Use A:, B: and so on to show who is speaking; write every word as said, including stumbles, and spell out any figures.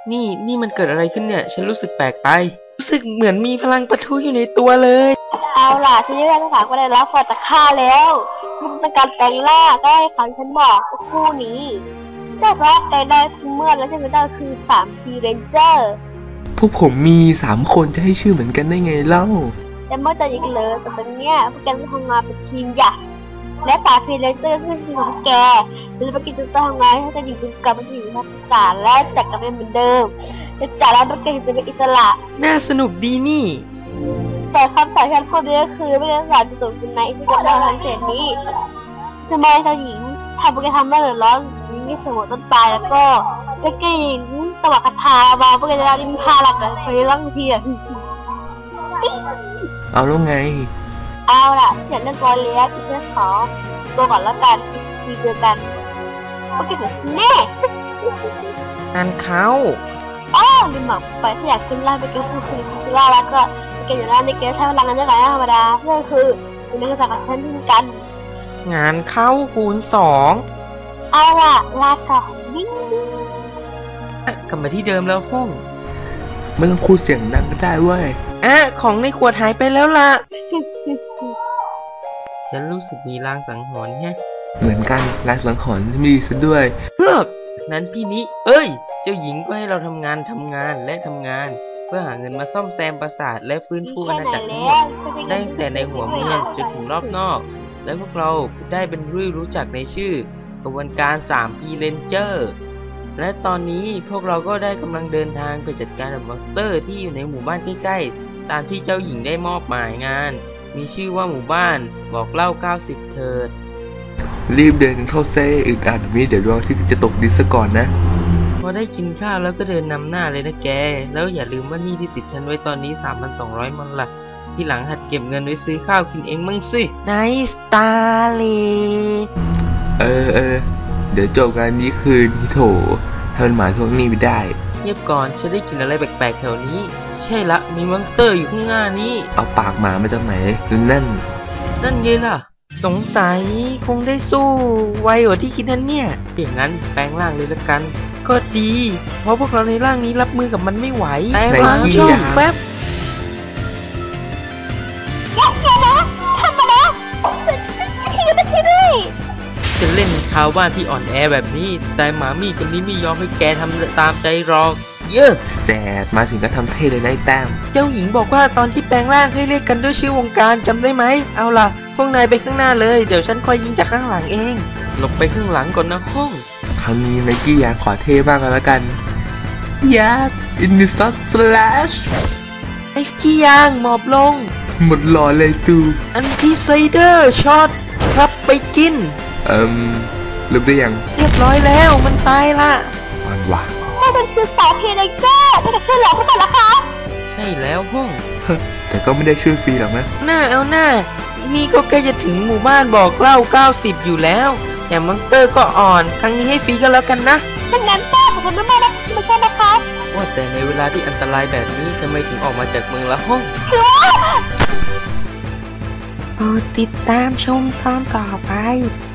A: นี่นี่มันเกิดอะไรขึ้นเนี่ยฉันรู้สึกแปลกไปรู้สึกเหมือนมีพลังปะทุอยู่ในตัวเลย
B: เอาล่ะฉันได้ภาษาก็ได้รับพอจากข้าแล้วมันเป็นการแปลงร่างก็ให้ฟังฉันบอกคู่นี้แต่ว่าแปลงได้เมื่อแล้วใช่ไหมก็คือสามพีเรนเจอร์
C: พวกผมมีสามคนจะให้ชื่อเหมือนกันได้ไงเล่า
B: แต่เมื่อจะยิงเลยแต่ตอนเนี้ยพวกแกต้องทำงานเป็นทีมใหญ่และสามพีเรนเจอร์คือทีมของแกจะไปกินจุดต้องทำงานให้จะอยู่กับมันอยู่ทักษะและจัดกันเป็นเหมือนเดิมจะจัดแล้วพวกแกจะเป็นอิสระ
A: น่าสนุกดีนี่
B: แต่คำสอนฉันคนนี้ก็คือไม่ได้สอนจะตกเป็นในที่จะได้ทำเสร็จนี้ทำไมเจ้าหญิงทำพวกแกทำไม่เดือดร้อนนี่สมมติต้นตายแล้วก็พวกแกหญิงตวัดคาถามาพวกแกจะได้ลิ้นพาหลักกันไปร่างเทียน
C: เอาแล้วไง
B: เอาล่ะเขียนเรื่องกอเลียที่ฉันขอตัวก่อนแล้วกันทีเดียวกันพวกแกถึงแน่
A: งานเขา
B: อ๋อลืมบอกไปถ้าอยากขึ้นล่าไปเก็บผู้คุยขึ้นล่าแล้วก็เก็บอยู่ล่าในเกมใช้พลังงานได้หลายธรรมดาเพื่อคือเป็นนักศึกษากับฉันเช่นกัน
A: งานเข้าคูณสอง
B: เอาล่ะลาก่อนนิ่ง
A: กลับมาที่เดิมแล้วห้อง
C: ไม่ต้องพูดเสียงดังก็ได้เว้ย
A: อ่ะของในขวดหายไปแล้วล่ะฉันรู้สึกมีลางสังหรณ์แฮะ
C: เหมือนกันลางสังหรณ์มีซะด้วย
A: เฮ้อนั้นพี่นี้เอ้ยเจ้าหญิงก็ให้เราทำงานทำงานและทำงานเพื่อหาเงินมาซ่อมแซมปราสาทและฟื้นฟูอาณาจักรทั้งหมดได้ตั้งแต่ในหัวเมืองจนถึงรอบนอกและพวกเราได้เป็นรู้รู้จักในชื่อกระบวนการ ทรี พี Ranger และตอนนี้พวกเราก็ได้กำลังเดินทางไปจัดการกับมอนสเตอร์ที่อยู่ในหมู่บ้านใกล้ๆตามที่เจ้าหญิงได้มอบหมายงานมีชื่อว่าหมู่บ้านบอกเล่าเก้าสิบเถิด
C: รีบเดินเข้าเซ่อึดอัดมีเดี๋ยวดวงอาทิตย์จะตกดินซะก่อนนะ
A: พอได้กินข้าวแล้วก็เดินนำหน้าเลยนะแกแล้วอย่าลืมว่านี่ที่ติดฉันไว้ตอนนี้ สามพันสองร้อย มอนล่ะที่หลังหัดเก็บเงินไว้ซื้อข้าวกินเองมั่งสิไนสตาเล
C: เออเออเดี๋ยวจบกันนี้คืนที่โถให้มันหมายทวงหนี้ไม่ได้
A: เงียบก่อนฉันได้กินอะไรแปลกๆแถวนี้ใช่ละมีมอนสเตอร์อยู่ข้างหน้านี้
C: เอาปากหมามาจากไหนนั่น
A: นั่นไงล่ะสงสัยคงได้สู้ไวกว่าที่คิดนั่นเนี่ยอย่างนั้นแปลงร่างเลยละกันก็ดีเพราะพวกเราในร่างนี้รับมือกับมันไม่ไหวแปลงร่างช่องแป๊บ
B: อย่านะทำมานะทีไม่ทีด้วย
A: จะเล่นชาวบ้านที่อ่อนแอแบบนี้แต่หมามี่คนนี้ไม่ยอมให้แกทำตามใจหรอกเยอะ
C: แสบมาถึงก็ทำเท่เลยนะไอ้แต้ม
A: เจ้าหญิงบอกว่าตอนที่แปลงร่างให้เรียกกันด้วยชื่อวงการจำได้ไหมเอาล่ะพวกนายไปข้างหน้าเลยเดี๋ยวฉันคอยยิงจากข้างหลังเองหลบไปข้างหลังก่อนนะห้อง
C: ครั้งนี้ไนกี้อยากขอเท่บ้างกันแล้วกันยาอินดิซัสสแลช
A: ไอ้กี้ยางหมอบลง
C: หมดหล่อเลยตู
A: อันที่ไซเดอร์ช็อตครับไปกิน
C: เอิ่มลืมได้ยัง
A: เรียบร้อยแล้วมันตายละ
C: มันวะ
B: มันคือสาวเพลเจอร์ไม่ได้ช่วยเหลือพวกมันหรอคะ
A: ใช่แล้วห้อง
C: แต่ก็ไม่ได้ช่วยฟรีหรอกนะ
A: หน้าเอาหน้านี่ก็ใกล้จะถึงหมู่บ้านบอกเล่าเก้าสิบอยู่แล้วแต่มอนสเตอร์ก็อ่อนครั้งนี้ให้ฟรีกันแล้วกันนะ
B: เป็นงั้นป้าขอบคุณมากนะไม่ใช่นะคะ
A: ว่าแต่ในเวลาที่อันตรายแบบนี้ทำไมถึงออกมาจากเมืองละห้องโปรดติดตามชมตอนต่อไป